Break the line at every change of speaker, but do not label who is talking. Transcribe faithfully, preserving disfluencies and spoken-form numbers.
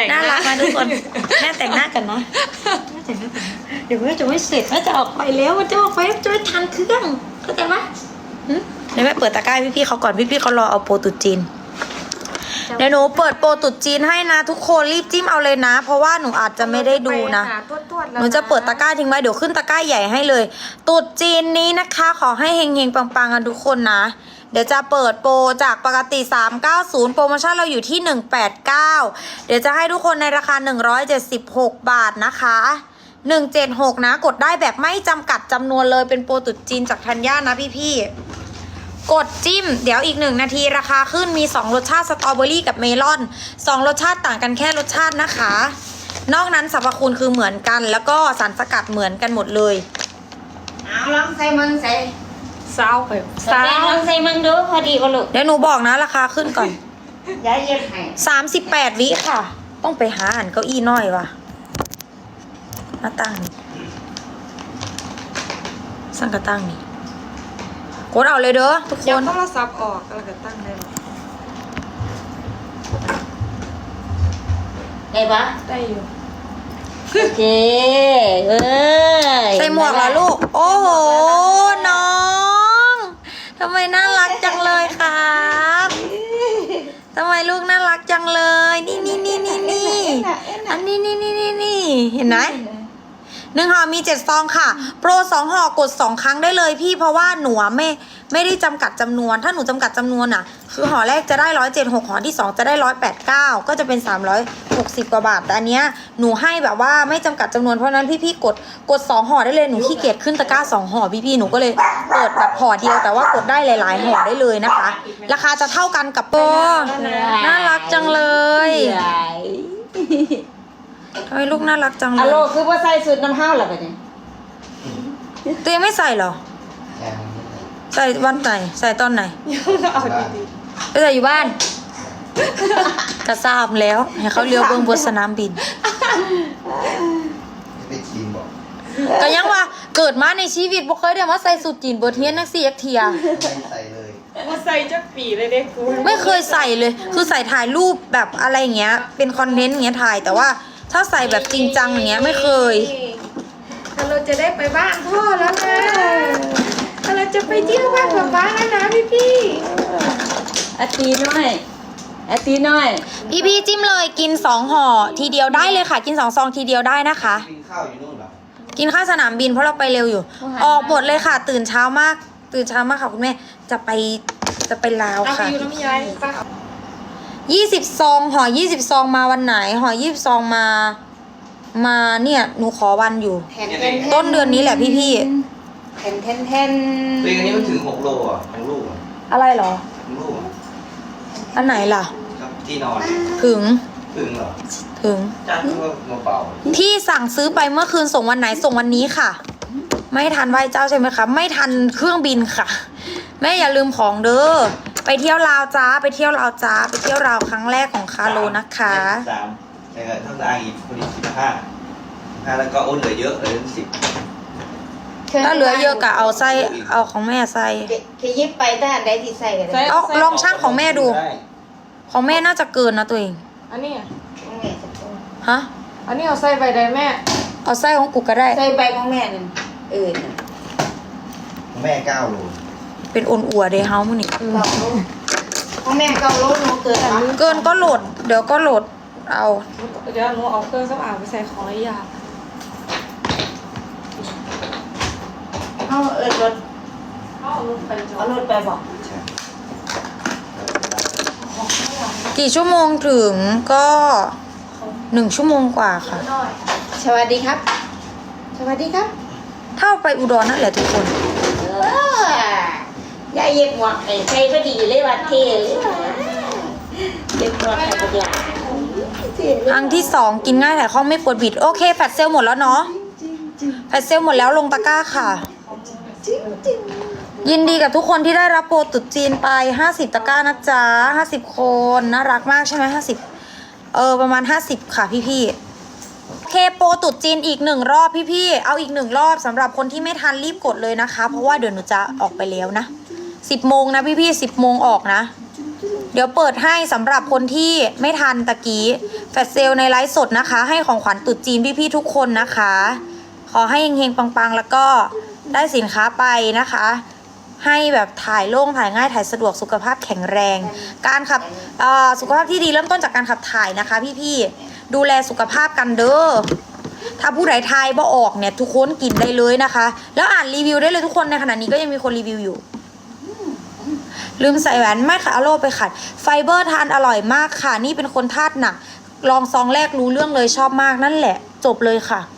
งหน้า
น่ารักนะทุกคนแม่แต่งหน้ากันนะแม่แต่งหน้ากันนะเดี๋ยวแม่จะไม่เสร็จแม่จะออกไปแล้วมันจะออกไปจะไม่ทันเครื่องเข้าใจไหมเดี๋ยวแม่เปิดตะกร้าพี่พี่เขาก่อนพี่พี่เขารอเอาโปรตุจีนเดี๋ยวหนูเปิดโปรตุจีนให้นะทุกคนรีบจิ้มเอาเลยนะเพราะว่าหนูอาจจะไม่ได้ดูนะหนูจะเปิดตะกร้าทิ้งไว้เดี๋ยวขึ้นตะกร้าใหญ่ให้เลยตุดจีนนี้นะคะขอให้เฮงๆปังๆกันทุกคนนะเดี๋ยวจะเปิดโปรจากปกติสามร้อยเก้าสิบโปรโมชั่นเราอยู่ที่หนึ่งร้อยแปดสิบเก้าเดี๋ยวจะให้ทุกคนในราคาหนึ่งร้อยเจ็ดสิบหกบาทนะคะหนึ่งร้อยเจ็ดสิบหกนะกดได้แบบไม่จำกัดจำนวนเลยเป็นโปรตุดจีนจากธัญญานะพี่ๆกดจิ้มเดี๋ยวอีกหนึ่งนาทีราคาขึ้นมีสองรสชาติสตรอเบอรี่กับเมลอนสองรสชาติต่างกันแค่รสชาตินะคะนอกนั้นสรรพคุณคือเหมือนกันแล้วก็สารสกัดเหมือนกันหมดเลย
เอาลองใส่มึงใส่
เศร้าไป
ใส่ลองใส่มึงดูพอดีก็ลูก
เดี๋ยวหนูบอกนะราคาขึ้นก่อน
ย้ายเย็บให้
สามสิบแปดวิค่ะต้องไปหาหันเก้าอี้น้อยว่ะหน้าตั้งนี่สั่งกระตั้งนี่กดเอาเลยเด้อทุกคน
เดี๋ยวโทรศัพท์ออกแล้วก็ตั้งได้หรอ
ได้ปะ
ได้อยู่
โอเคเอ้ย
ใส่หมวกเหรอลูกโอ้โหน้องทำไมน่ารักจังเลยครับทำไมลูกน่ารักจังเลยนี่นี่นี่นี่นี่อันนี้นี่นี่นี่นี่เห็นไหมหนึ่งห่อมีเจ็ดซองค่ะโปรสองห่อกดสองครั้งได้เลยพี่เพราะว่าหนูไม่ไม่ได้จำกัดจำนวนถ้าหนูจำกัดจำนวนอ่ะคือห่อแรกจะได้ร้อยเจ็ดหกห่อที่สองจะได้ร้อยแปดเก้าก็จะเป็นสามร้อยหกสิบกว่าบาทแต่อันเนี้ยหนูให้แบบว่าไม่จำกัดจำนวนเพราะนั้นพี่พี่กดกดสองห่อได้เลยหนูขี้เกียจขึ้นตะกร้าสองห่อพี่พี่หนูก็เลยเปิดแบบห่อเดียวแต่ว่ากดได้หลายๆห่อได้เลยนะคะราคาจะเท่ากันกับโปรน่ารักจังเลยทำไมลูกน่ารักจังเลย
อะโลคือว่าใส่สูตรน้ำห้าวหรอปะเนี่ย
ตัวยังไม่ใส่เหรอใส่วันไหนใส่ตอนไหน
เอาดี
ๆไปใส่อยู่บ้านกระซาบแล้วให้เขาเลี้ยวเบื้องบนสนามบิน
ไปจีนบอก
ก็ยังว่าเกิดมาในชีวิตบ่เคยได้มาใส่สูทจีนเบอร์เทียนนักสี่เอ็กเทีย
ไม่ใส่เลย
ว่าใส่จักปีเลยเด็กกู
ไม่เคยใส่เลยคือใส่ถ่ายรูปแบบอะไรอย่างเงี้ยเป็นคอนเทนต์อย่างเงี้ยถ่ายแต่ว่าถ้าใส่แบบจริงจังอย่างเงี้ยไม่เคย
เราจะได้ไปบ้านพ่อแล้วนะเราจะไปเที่ยวบ้านป๊าป๊าแล้วนะพี่พี่
อาตีน้อยอาตีน้อย
พี่พี่จิ้มเลยกินสองห่อทีเดียวได้เลยค่ะกินสองซองทีเดียวได้นะคะ
กินข้าวอยู่นู่นเหรอ
กินข้าวสนามบินเพราะเราไปเร็วอยู่ออกหมดเลยค่ะตื่นเช้ามากตื่นเช้ามากค่ะคุณแม่จะไปจะไปลาวค่ะยี่สิบซองห่อยี่สิบซองมาวันไหนห่อยี่สิบซองมามาเนี่ยหนูขอวันอยู่ต้นเดือนนี้แหละพี่พี่
แทนแทนแทน
ตัวนี้มันถึงหกโลอ่ะของลูกอ่ะ
อะไรเหรอ
ของลูกอ่ะ
อันไหนล่ะ
ครับที่นอน
ถึง
ถึงเหรอ
ถึง
จัดก็มาเป่า
พี่สั่งซื้อไปเมื่อคืนส่งวันไหนส่งวันนี้ค่ะไม่ทันไหว้เจ้าใช่ไหมคะไม่ทันเครื่องบินค่ะแม่อย่าลืมของเด้อไปเที่ยวลาวจ้าไปเที่ยวลาวจ้าไปเที่ยวลาวครั้งแรกของคาโลนะคะ
สามแต่ก็เท่ากับอีกคนอีกสิบห้าห้าแล้วก็โอนเหลือเยอะเหลือสิบ
ถ้าเหลือเยอะก็เอาใส่เอาของแม่ใส่
เคยยิบไปถ้าอันใดที่ใส่กัน
เอาลองช่างของแม่ดูของแม่น่าจะเกินนะตัวเอง
อันนี้
ฮะ
อันนี้เอาใส่ใบใดแม่
เอาใส่ของกูก็ได้
ใส่ใบของแม่นั่นเออ
ของแม่เก้าโล
เป็นอ่อนอัวเดเฮามื้อนี้
ของแม่เก้าโลหนูเกิน
เกินก็โหลดเดี๋ยวก็โหลดเอา
เดี๋ยวหนูเอาเครื่องสำอางไปใส่ของไอ้ยา
เอาเออรถ
เอารถไป
เอารถไปบอก
กี่ชั่วโมงถึงก็หนึ่งชั่วโมงกว่าค่ะ
สวัสดีครับสวัสดีครับ
เท่าไปอุดรนั่นแหละทุกคน
ยายเย็บหมวกไอ้ใส่พอดีเลยวัดเทเลยเย็บหมวกไอ้พวกหลาน
ครั้งที่สองกินง่ายแต่ข้องไม่ปวดบิดโอเคแฟตเซลหมดแล้วเนาะแฟตเซลหมดแล้วลงตะกร้าค่ะยินดีกับทุกคนที่ได้รับโปรตุดจีนไปห้าสิบตะกร้านะจ๊ะห้าสิบคนน่ารักมากใช่ไหมห้าสิบเออประมาณห้าสิบค่ะพี่ๆโอเคโปรตุดจีนอีกหนึ่งรอบพี่ๆเอาอีกหนึ่งรอบสำหรับคนที่ไม่ทันรีบกดเลยนะคะเพราะว่าเดี๋ยวหนูจะออกไปแล้วนะสิบโมงนะพี่ๆสิบโมงออกนะเดี๋ยวเปิดให้สำหรับคนที่ไม่ทันตะกี้แฟลชเซลในไลฟ์สดนะคะ ให้ของขวัญตรุษจีนพี่ๆทุกคนนะคะ ขอให้เฮงๆปังๆแล้วก็ได้สินค้าไปนะคะ ให้แบบถ่ายโล่งถ่ายง่ายถ่ายสะดวกสุขภาพแข็งแรง การขับสุขภาพที่ดีเริ่มต้นจากการขับถ่ายนะคะพี่ๆดูแลสุขภาพกันเด้อถ้าผู้ใดทายบ่ออกเนี่ยทุกคนกินได้เลยนะคะ แล้วอ่านรีวิวได้เลยทุกคนในขณะนี้ก็ยังมีคนรีวิวอยู่ลืมใส่แหวนไม่ค่ะเอาโลไปขัดไฟเบอร์ทานอร่อยมากค่ะนี่เป็นคนธาตุหนักลองซองแรกรู้เรื่องเลยชอบมากนั่นแหละจบเลยค่ะ